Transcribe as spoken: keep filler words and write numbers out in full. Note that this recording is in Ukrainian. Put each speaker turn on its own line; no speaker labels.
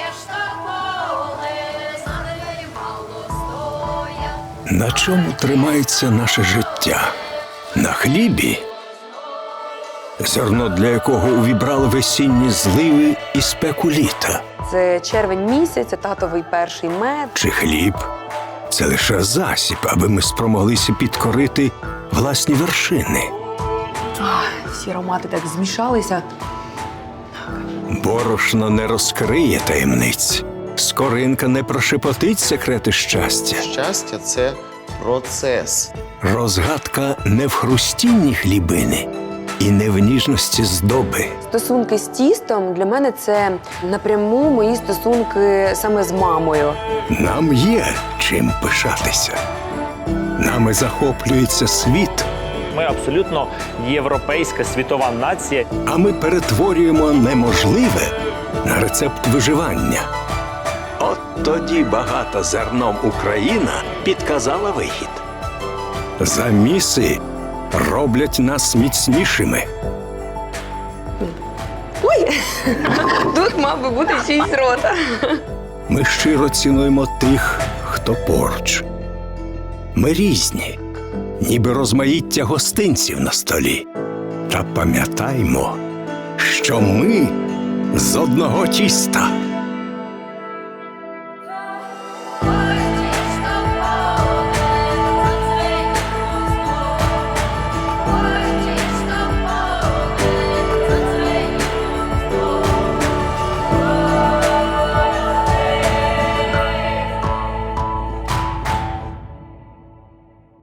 На чому тримається наше життя? На хлібі? Зерно, для якого увібрали весінні зливи і спеку літа.
Це червень місяць, це татовий перший мед.
Чи хліб? Це лише засіб, аби ми спромоглися підкорити власні вершини.
Ах, всі аромати так змішалися.
Борошно не розкриє таємниць. Скоринка не прошепотить секрети щастя.
Щастя – це процес.
Розгадка не в хрустінні хлібини і не в ніжності здоби.
Стосунки з тістом для мене це напряму мої стосунки саме з мамою.
Нам є чим пишатися. Нами захоплюється світ,
Ми абсолютно європейська світова нація.
а ми перетворюємо неможливе на рецепт виживання. От тоді багата зерном Україна підказала вихід. Заміси роблять нас міцнішими.
Ой, тут мав би бути чийсь рота.
Ми щиро цінуємо тих, хто поруч. Ми різні, ніби розмаїття гостинців на столі. Та пам'ятаймо, що ми з одного тіста.